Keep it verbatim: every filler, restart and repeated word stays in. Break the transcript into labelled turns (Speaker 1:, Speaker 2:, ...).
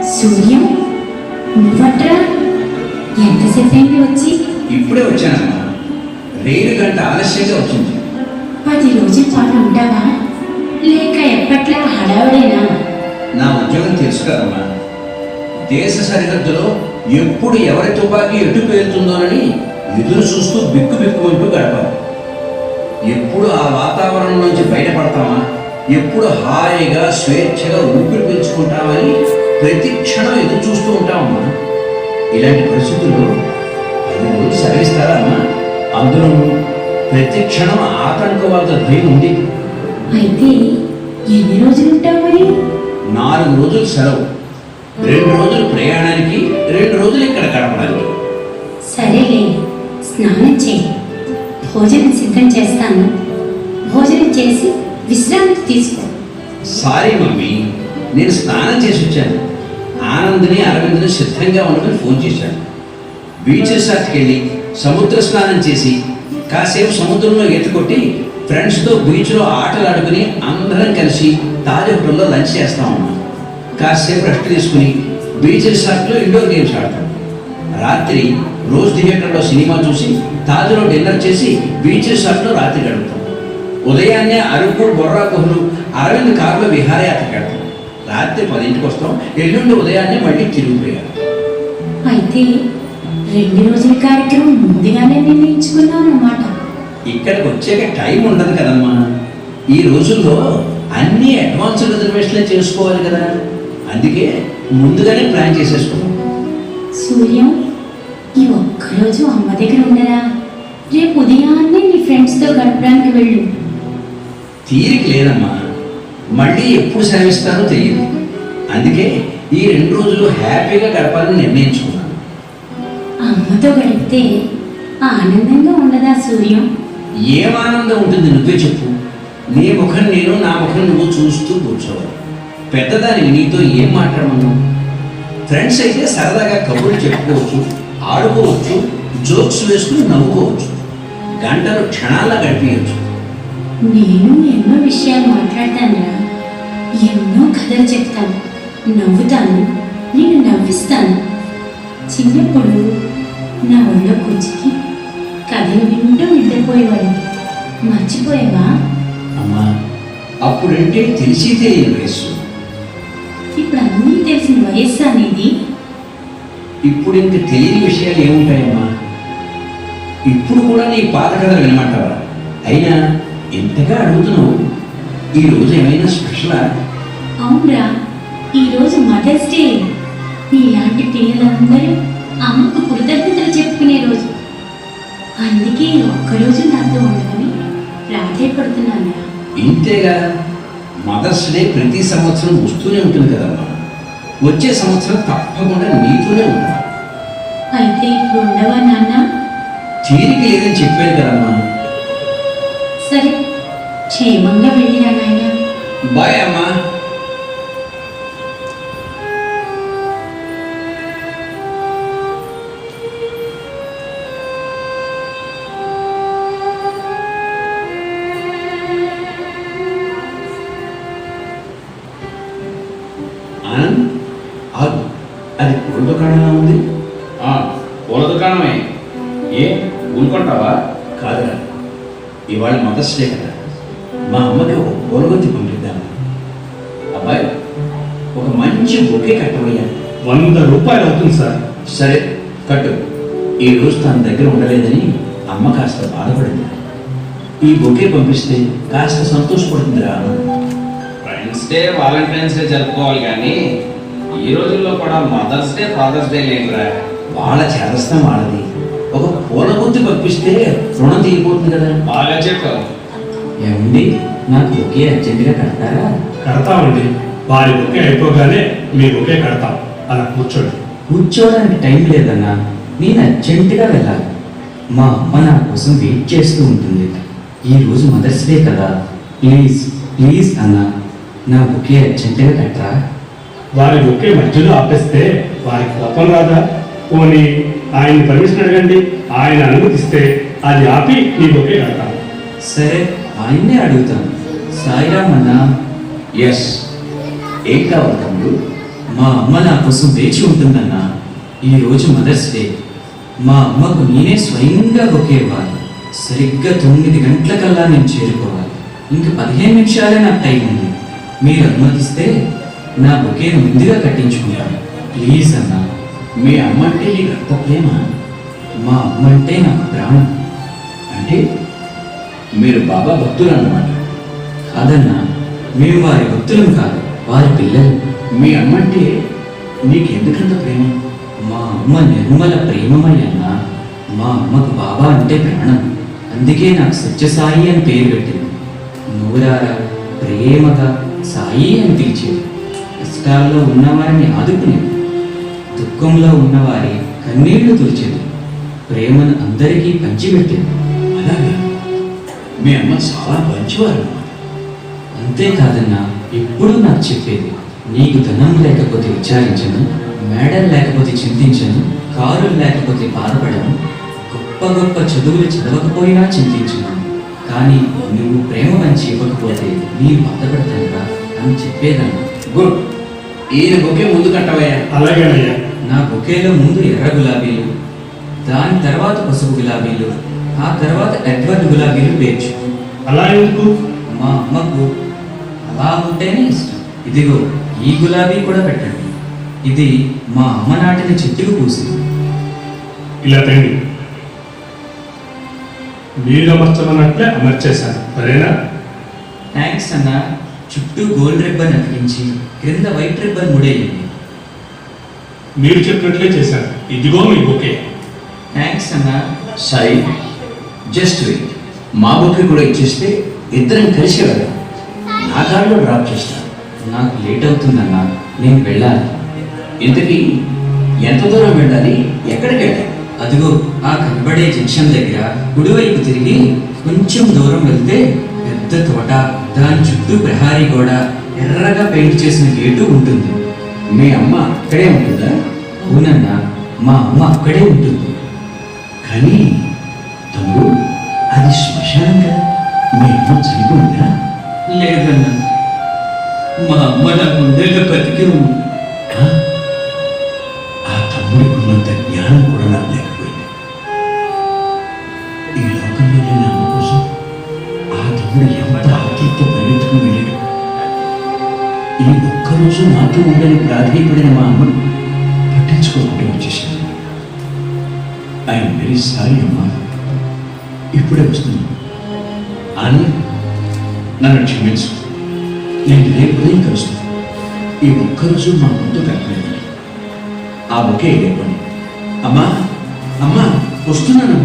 Speaker 1: సూర్యం, నువ్వట్రా? ఎంతసేపు అయింది వచ్చి?
Speaker 2: ఇప్పుడే వచ్చానమ్మా. రైలు గంట ఆలస్యంగా వచ్చింది.
Speaker 1: పది రోజుల పాటు ఉంటావా, లేక ఎప్పట్లా హడావుడేనా?
Speaker 2: నా ఉద్యోగం తెలుసు కదమ్మా. దేశ సరిహద్దులో ఎప్పుడు ఎవరి తుపాకీ ఎటు పేలుతుందోనని ఎదురు చూస్తూ బిక్కు బిక్కుమంటూ గడపాలి. ఎప్పుడు ఆ వాతావరణం నుంచి బయటపడతామా, ఎప్పుడు హాయిగా స్వేచ్ఛగా ఊపిరి పీల్చుకుంటామని ప్రతి క్షణం ఎదురు చూస్తూ ఉంటామమ్మా. ఇలాంటి పరిస్థితుల్లో పది రోజులు సర్విస్తారా అమ్మా? అందులో ప్రతి క్షణం ఆతంకవాద భయం ఉంది.
Speaker 1: అయితే ఎన్ని రోజులు ఉంటావు మరి?
Speaker 2: నాలుగు రోజులు సెలవు, రెండు రోజులు ప్రయాణానికి, రెండు రోజులు ఇక్కడ గడపడానికి.
Speaker 1: సరేలే, స్నానం చేయి. భోజనం సిద్ధం చేస్తాను. భోజనం చేసి విశ్రాంతి తీసుకో.
Speaker 2: సారీ మమ్మీ, నేను స్నానం చేసి వచ్చాను. ఆనంద్ని అరవింద్ని సిద్ధంగా ఉండమని ఫోన్ చేశాను. బీచ్ రిసార్ట్కి వెళ్ళి సముద్ర స్నానం చేసి కాసేపు సముద్రంలో ఈత కొట్టి ఫ్రెండ్స్తో బీచ్లో ఆటలు ఆడుకుని అందరం కలిసి తాజ్ హోటల్లో లంచ్ చేస్తామమ్మా. కాసేపు రెస్ట్ తీసుకుని బీచ్ రిసార్ట్లో ఇండోర్ గేమ్స్ ఆడతాం. రాత్రి రోజ్ థియేటర్లో సినిమా చూసి తాజ్లో డిన్నర్ చేసి బీచ్ రిసార్ట్లో రాత్రి గడుపుతాం. ఉదయాన్నే అరకు, బొర్రా గుహలు, అరవింద్ కారులో విహారయాత్ర కడతాం. రాత్రి పదింటికి వస్తాం. ఎల్లుండి ఉదయాన్నే మళ్ళీ తిరిగిపోయారు.
Speaker 1: అయితే రెండు రోజుల కార్యక్రమం ముందుగానే నిర్ణయించుకున్నావు అన్నమాట.
Speaker 2: ఇక్కడికి వచ్చాక టైం ఉండదు కదమ్మా. ఈ రోజుల్లో అన్ని అడ్వాన్స్ రిజర్వేషన్లే చేసుకోవాలి కదా, అందుకే ముందుగానే ప్లాన్ చేసేసుకున్నాం.
Speaker 1: సూర్యం, ఈ ఒక్కరోజు అమ్మ దగ్గర ఉండరా? రేపు ఉదయాన్నే నీ ఫ్రెండ్స్తో గడపడానికి వెళ్ళు.
Speaker 2: తీరిక లేదమ్మా. మళ్ళీ ఎప్పుడు సెలవిస్తానో తెలియదు. అందుకే ఈ రెండు రోజులు హ్యాపీగా గడపాలని నిర్ణయించుకున్నాను.
Speaker 1: అమ్మతో గడిపితే ఆనందంగా ఉండదా సూర్యం?
Speaker 2: ఏం ఆనందం ఉంటుంది, నువ్వే చెప్పు. నీ ముఖం నేను, నా ముఖం నువ్వు చూస్తూ కూర్చోవాలి. పెద్దదానికి నీతో ఏం మాట్లాడమను? ఫ్రెండ్స్ అయితే సరదాగా కబుర్లు చెప్పుకోవచ్చు, ఆడుకోవచ్చు, జోక్స్ వేసుకుని నవ్వుకోవచ్చు, గంటలు క్షణాల్లో గడిపించవచ్చు.
Speaker 1: నేను ఎన్నో విషయాలు మాట్లాడతానురా. ఎన్నో కథలు చెప్తాను, నవ్వుతాను, నేను నవ్విస్తాను. చిన్నప్పుడు నా ఒళ్ళో కూర్చుని కథలు వింటూ నిద్రపోయేవాడు. మర్చిపోయావా?
Speaker 2: అమ్మా, అప్పుడంటే తెలిసి తెలియని వయస్సు.
Speaker 1: ఇప్పుడు అన్నీ తెలిసిన వయస్సు అనేది.
Speaker 2: ఇప్పుడు ఇంక తెలియని విషయాలు ఏముంటాయమ్మా? ఇప్పుడు కూడా నీ పాత కథలు వినమంటావా? అయినా ఎంతగా అడుగుతున్నావు. ఈరోజు ఏమైనా స్పెషలా?
Speaker 1: అవునరా, ఈరోజు మదర్స్ డే. నీలాంటి పిల్లలందరూ అమ్మకు కృతజ్ఞతలు చెప్పుకునే రోజు. అందుకే ఒక్కరోజు నాతో ఉండమని ప్రాధాయపడుతున్నాను.
Speaker 2: ఇంతేగా, మదర్స్ డే ప్రతి సంవత్సరం వస్తూనే ఉంటుంది కదమ్మా. వచ్చే సంవత్సరం తప్పకుండా నీతోనే ఉంటా.
Speaker 1: అయితే ఇప్పుడు ఉండవా నాన్న?
Speaker 2: తీరిక లేదని చెప్పాను కదమ్మా.
Speaker 1: సరే, క్షేమంగా వెళ్ళిరా నాయన.
Speaker 2: బాయ్ అమ్మా. ఆనంద్, ఆగు. అది పూల దుకాణంలా ఉంది.
Speaker 3: పూల దుకాణమే. ఏ ఊరుకుంటావా?
Speaker 2: కాదురా, ఇవాళ మదర్స్ డే కదా, మా అమ్మకి ఒక పూలగొత్తి పంపిద్దాము. అబ్బాయి, ఒక మంచి బొకే కట్టబోయా.
Speaker 3: వంద రూపాయలు అవుతుంది సార్.
Speaker 2: సరే కట్టు. ఈ రోజు తన దగ్గర ఉండలేదని అమ్మ కాస్త బాధపడింది. ఈ బొకే పంపిస్తే కాస్త సంతోషపడుతుందిరా.
Speaker 3: ఫ్రెండ్స్ డే, వాలంటైన్స్ డే జరుపుకోవాలి కానీ ఈ రోజుల్లో కూడా మదర్స్ డే, ఫాదర్స్ డే లేదురా.
Speaker 2: వాళ్ళ చేదస్తం వాళ్ళది. ఒక పూల గుత్తి పంపిస్తే రుణం తీరిపోతుంది కదా.
Speaker 3: బాగా చెప్పావు.
Speaker 2: ఏమండి, నాకు బొకే అర్జెంటుగా కడతారా?
Speaker 4: కడతామండి. వారి బుకే అయిపోగానే మీ బుకే కడతాం. అలా కూర్చోండి.
Speaker 5: కూర్చోవడానికి టైం లేదన్నా, నేను అర్జెంటుగా వెళ్ళాలి. మా అమ్మ నా కోసం వెయిట్ చేస్తూ ఉంటుంది. ఈరోజు మదర్స్ డే కదా, ప్లీజ్ ప్లీజ్ అన్న, నా బుకే అర్జెంటుగా కట్టరా.
Speaker 4: వారి బుకే మధ్యలో ఆపేస్తే వారికి కోపం రాదా? పోనీ ఆయన పర్మిషన్ అడగండి. ఆయన అనుమతిస్తే అది ఆపి మీ బుకే కడతాం.
Speaker 5: సరే, ఆయన్నే అడుగుతాను. సాయిరామ్ అన్నా.
Speaker 2: ఎస్, ఏం కావాలి తమ్ముడు?
Speaker 5: మా అమ్మ నా కోసం వేచి ఉంటుందన్నా. ఈరోజు మదర్స్ డే. మా అమ్మకు నేనే స్వయంగా బొకే ఇవ్వాలి. సరిగ్గా తొమ్మిది గంటలకల్లా నేను చేరుకోవాలి. ఇంక పదిహేను నిమిషాలే నాకు టైం ఉంది. మీరు అనుమతిస్తే నా బొకేను ముందుగా కట్టించుకుంటాను. ప్లీజ్ అన్నా.
Speaker 2: మీ అమ్మ అంటే నీకు అంత ప్రేమ?
Speaker 5: మా అమ్మ అంటే నాకు ప్రాణం.
Speaker 2: అంటే మీరు బాబా భక్తులు అన్నమాట.
Speaker 5: కాదన్నా, మేము వారి భక్తులం కాదు, వారి పిల్లలు.
Speaker 2: మీ అమ్మ అంటే నీకు ఎందుకంత ప్రేమ?
Speaker 5: మా అమ్మ నిర్మల ప్రేమమయ్యన్నా. మా అమ్మకు బాబా అంటే ప్రాణం. అందుకే నాకు సత్యసాయి అని పేరు పెట్టింది. నూరారా ప్రేమగా సాయి అని పిలిచేది. కష్టాల్లో ఉన్నవారిని ఆదుకునేది. దుఃఖంలో ఉన్నవారి కన్నీళ్లు తుడిచేది. ప్రేమను అందరికీ పంచిపెట్టేది.
Speaker 2: అలాగా? మీ అమ్మ చాలా మంచివారు అన్నమాట.
Speaker 5: అంతేకాదన్నా, ఎప్పుడూ నాకు చెప్పేది, నీకు ధనం లేకపోతే విచారించను, మేడలు లేకపోతే చింతించను, కారులు లేకపోతే బాధపడను, గొప్ప గొప్ప చదువులు చదవకపోయినా చింతించను, కానీ నువ్వు ప్రేమ మంచి ఇవ్వకపోతే నేను బాధపడతానురా అని చెప్పేదన్నా.
Speaker 2: గుడ్. ఈయన బొకే ముందు కట్టవయ్యా.
Speaker 4: అలాగేనయ్యా.
Speaker 5: నా బొకేలో ముందు ఎర్ర గులాబీలు, దాని తర్వాత పసుపు గులాబీలు, ఆ తర్వాత ఎడ్వర్డ్ గులాబీలు పేర్చు.
Speaker 4: అలా ఎందుకు?
Speaker 5: మా అమ్మకు అలా ఉంటేనే ఇష్టం. ఇదిగో ఈ గులాబీ కూడా పెట్టండి. ఇది మా అమ్మ నాటిన చెట్టుకు పూసింది.
Speaker 4: ఇలా తండి. మీరు అమర్చమన్నట్లే అమర్చేశాను, సరేనా?
Speaker 5: థ్యాంక్స్ అన్న. చుట్టూ గోల్డ్ రిబ్బన్ అతికించి క్రింద వైట్ రిబ్బన్ ముడేయండి.
Speaker 4: మీరు చెప్పినట్లే చేశాను. ఇదిగో మీ బొకే.
Speaker 5: థ్యాంక్స్ అన్న.
Speaker 2: Sai, just wait. మా బొకే కూడా ఇచ్చేస్తే ఇద్దరం కలిసి వెళ్దాం. నా కారులో డ్రాప్ చేస్తాను.
Speaker 5: నాకు లేట్ అవుతుందన్నా, నేను వెళ్ళాలి.
Speaker 2: ఇంతకీ ఎంత దూరం వెళ్ళాలి? ఎక్కడికి వెళ్ళాలి?
Speaker 5: అదిగో ఆ కనబడే జంక్షన్ దగ్గర కుడివైపు తిరిగి కొంచెం దూరం వెళ్తే పెద్ద తోట, దాని చుట్టూ ప్రహారీ గోడ, ఎర్రగా పెయింట్ చేసిన గేటు ఉంటుంది.
Speaker 2: మీ అమ్మ అక్కడే ఉంటుందా?
Speaker 5: అవునన్నా, మా అమ్మ అక్కడే ఉంటుంది.
Speaker 2: కానీ తమ్ముడు, అది శ్మశానం కదా. మీ అమ్మ చనిపోయిందా?
Speaker 5: లేదన్నా, మా అమ్మ నా గుండెల్లో బతికి ఉంది.
Speaker 2: ఆ? ఆ తమ్ముడికి ఉన్నంత జ్ఞానం కూడా నాకు లేకపోయింది. ఈ లోకంలో లేని అమ్మ కోసం ఆ తమ్ముడు ఎంత ఆతృత పరిగెత్తుకుని వెళ్ళాడు. ఈ ఒక్కరోజు నాతో ఉండని ప్రాధాన్యపడిన మా అమ్మను పట్టించుకోకుండా వచ్చేసాను. ఐఎమ్ వెరీ సారీ అమ్మా. ఇప్పుడే వస్తున్నాను. అని నన్ను క్షమించు. నేను రేపు ఉదయం కలుస్తాను. ఈ ఒక్కరోజు మా ముందు కట్టలేదు. ఆ బొకే లేపండి. అమ్మా అమ్మా వస్తున్నాను.